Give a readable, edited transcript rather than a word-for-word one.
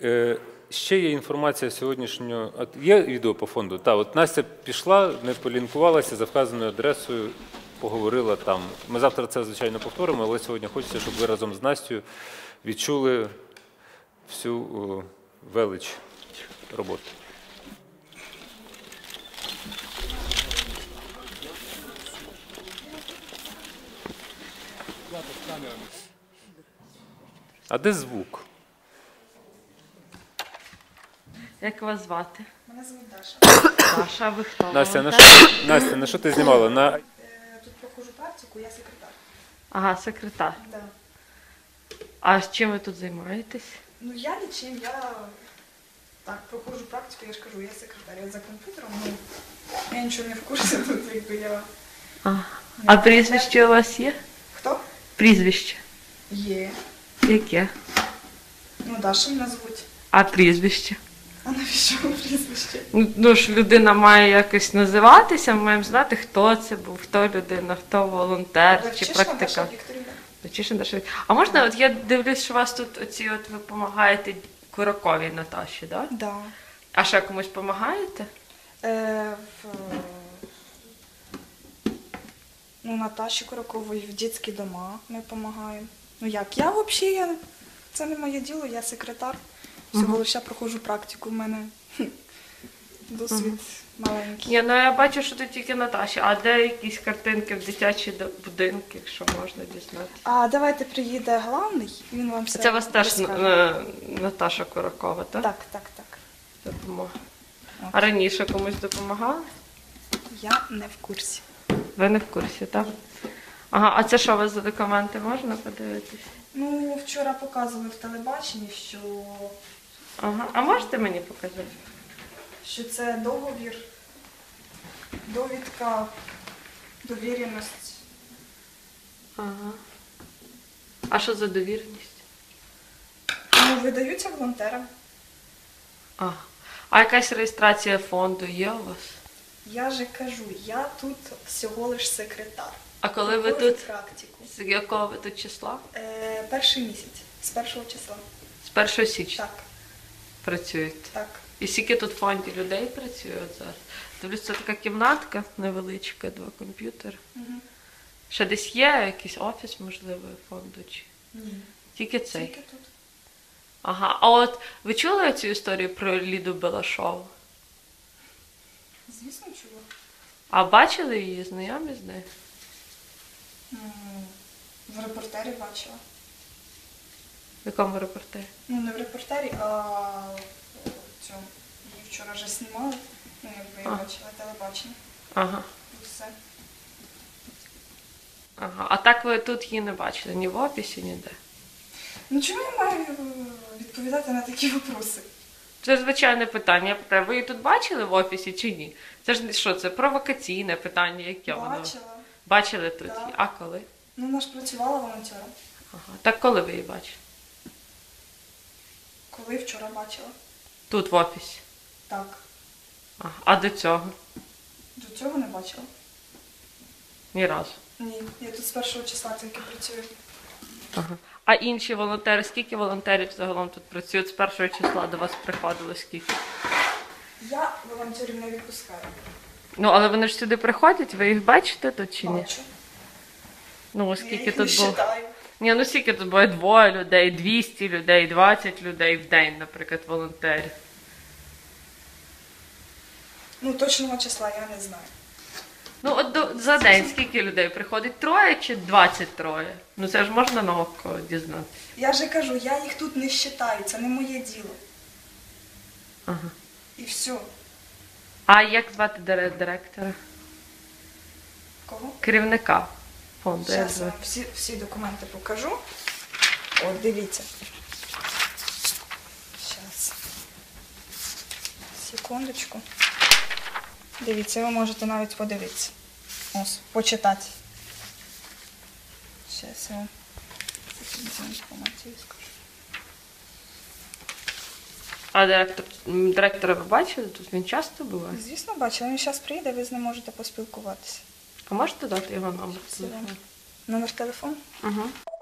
Ще є інформація сьогоднішнього. Є відео по фонду? Так, от Настя пішла, не полінкувалася, за вказаною адресою поговорила там. Ми завтра це, звичайно, повторимо, але сьогодні хочеться, щоб ви разом з Настю відчули всю велич роботи. А де звук? Як вас звати? Мене звуть Даша. Даша, ви хто? Настя, на що ти знімала? Тут проходжу практику, я секретар. Ага, секретар. Да. А з чим ви тут займаєтесь? Ну я нічим, я так проходжу практику, я ж кажу, я секретар, я за комп'ютером, ну я нічого не в курсі тут, якби я... А прізвище у вас є? Хто? Прізвище. Є. Яке? Ну Даша мене звуть. А прізвище? А навіщо прізвище? Ну ж людина має якось називатися, ми маємо знати, хто це був, хто людина, хто волонтер чи Левчишина практикант. Даша Вікторівна. Левчишина Даша. А можна, от я дивлюсь, що у вас тут оці от ви допомагаєте Кураковій Наташі, так? Да. А ще комусь допомагаєте? Ну, Наташі Куракової в дитячі дома ми допомагаємо. Ну як, я взагалі, це не моє діло, я секретар. Всього лише проходжу практику, в мене досвід маленький. Ні, ну я бачу, що тут тільки Наташі. А де якісь картинки в дитячі будинки, якщо можна дізнатися? А давайте приїде главний, він вам все Це у вас теж розкаже. Наташа Куракова, так? Так, так, так. Допомога. От. А раніше комусь допомагали? Я не в курсі. Ви не в курсі, так? Ага, а це що у вас за документи, можна подивитись? Ну, вчора показували в телебаченні, Ага, а можете мені показати? що це договір, довідка, довіреність. Ага. А що за довіреність? Ну, видаються волонтерам. Ага. А якась реєстрація фонду є у вас? Я же кажу, я тут всього лиш секретар. А коли ви Проходжу тут? практику. З якого ви тут числа? Перший місяць, з 1 числа. З 1 січня Так, працюєте? так. І скільки тут в фонді людей працює от зараз? Дивлюсь, це така кімнатка невеличка, 2 комп'ютери. Угу. Ще десь є якийсь офіс, можливо, фонду? Чи? Ні, Тільки цей? тільки тут. Ага. А от ви чули цю історію про Ліду Белашову? Звісно, чула. А бачили її, знайомі з нею? В репортері бачила. В якому репортері? Ну, не в репортері, а в цьому. Її вчора вже знімали. Ну, якби я бачила телебачення. Ага. І все. Ага. А так ви тут її не бачили? Ні в офісі, ніде? Ну, чому я маю відповідати на такі вопроси? Це звичайне питання. Я питаю, ви її тут бачили в офісі чи ні? Це ж що, це провокаційне питання, яке воно? Бачила. Бачили тут Да. її? А коли? Ну, вона ж працювала волонтером. Ага. Так коли ви її бачили? Коли вчора бачила. Тут в офісі? Так. Ага. А до цього? До цього не бачила. Ні разу. Ні, я тут з 1 числа тільки працюю. Ага. А інші волонтери, скільки волонтерів загалом тут працюють? З 1 числа до вас приходили скільки? Я волонтерів не відпускаю. Ну, але вони ж сюди приходять, ви їх бачите тут чи ні? Бачу. Ну, Я скільки їх не тут було? вважаю. Ні, ну скільки тут буває 2 людей, 200 людей, 20 людей в день, наприклад, волонтерів. Ну, точного числа я не знаю. Ну, от за день скільки людей приходить? 3 чи 23? Ну, це ж можна на око дізнатися. Я же кажу, я їх тут не вважаю, це не моє діло. Ага. І все. А як звати директора? Кого? Керівника фонду. Як Зараз я звати? вам всі документи покажу. От, дивіться. Зараз. Секундочку. Дивіться, ви можете навіть подивитися. Ось, почитати. Зараз я вам цю інформацію скажу. А директора ви бачили? Тут він часто буває? Звісно, бачила, він зараз прийде, ви з ним можете поспілкуватися. А можете дати його номер телефону? Номер телефону? Угу.